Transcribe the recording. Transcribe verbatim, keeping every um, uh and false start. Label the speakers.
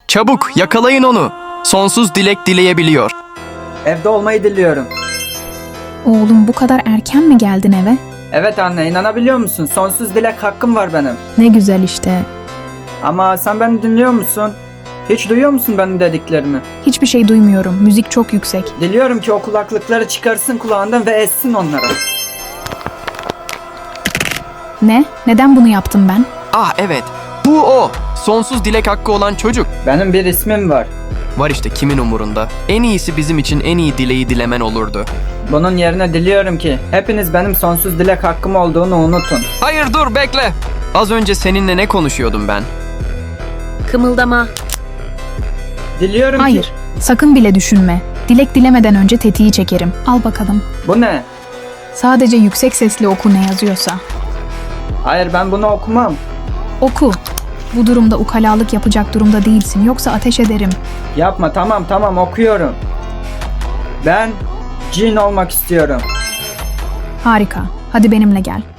Speaker 1: Çabuk yakalayın onu. Sonsuz dilek dileyebiliyor.
Speaker 2: Evde olmayı diliyorum.
Speaker 3: Oğlum bu kadar erken mi geldin eve?
Speaker 2: Evet anne, inanabiliyor musun? Sonsuz dilek hakkım var benim.
Speaker 3: Ne güzel işte.
Speaker 2: Ama sen beni dinliyor musun? Hiç duyuyor musun benim dediklerimi?
Speaker 3: Hiçbir şey duymuyorum. Müzik çok yüksek.
Speaker 2: Diliyorum ki o kulaklıkları çıkarsın kulağından ve essin onlara.
Speaker 3: Ne? Neden bunu yaptım ben?
Speaker 1: Ah evet, bu o. Sonsuz dilek hakkı olan çocuk.
Speaker 2: Benim bir ismim var.
Speaker 1: Var işte, kimin umurunda. En iyisi bizim için en iyi dileği dilemen olurdu.
Speaker 2: Bunun yerine diliyorum ki hepiniz benim sonsuz dilek hakkım olduğunu unutun.
Speaker 1: Hayır dur bekle. Az önce seninle ne konuşuyordum ben?
Speaker 4: Kımıldama.
Speaker 2: Diliyorum
Speaker 3: Hayır.
Speaker 2: ki...
Speaker 3: Sakın bile düşünme. Dilek dilemeden önce tetiği çekerim. Al bakalım.
Speaker 2: Bu ne?
Speaker 3: Sadece yüksek sesle oku ne yazıyorsa.
Speaker 2: Hayır, ben bunu okumam.
Speaker 3: Oku. Bu durumda ukalalık yapacak durumda değilsin. Yoksa ateş ederim.
Speaker 2: Yapma, tamam tamam okuyorum. Ben cin olmak istiyorum.
Speaker 3: Harika. Hadi benimle gel.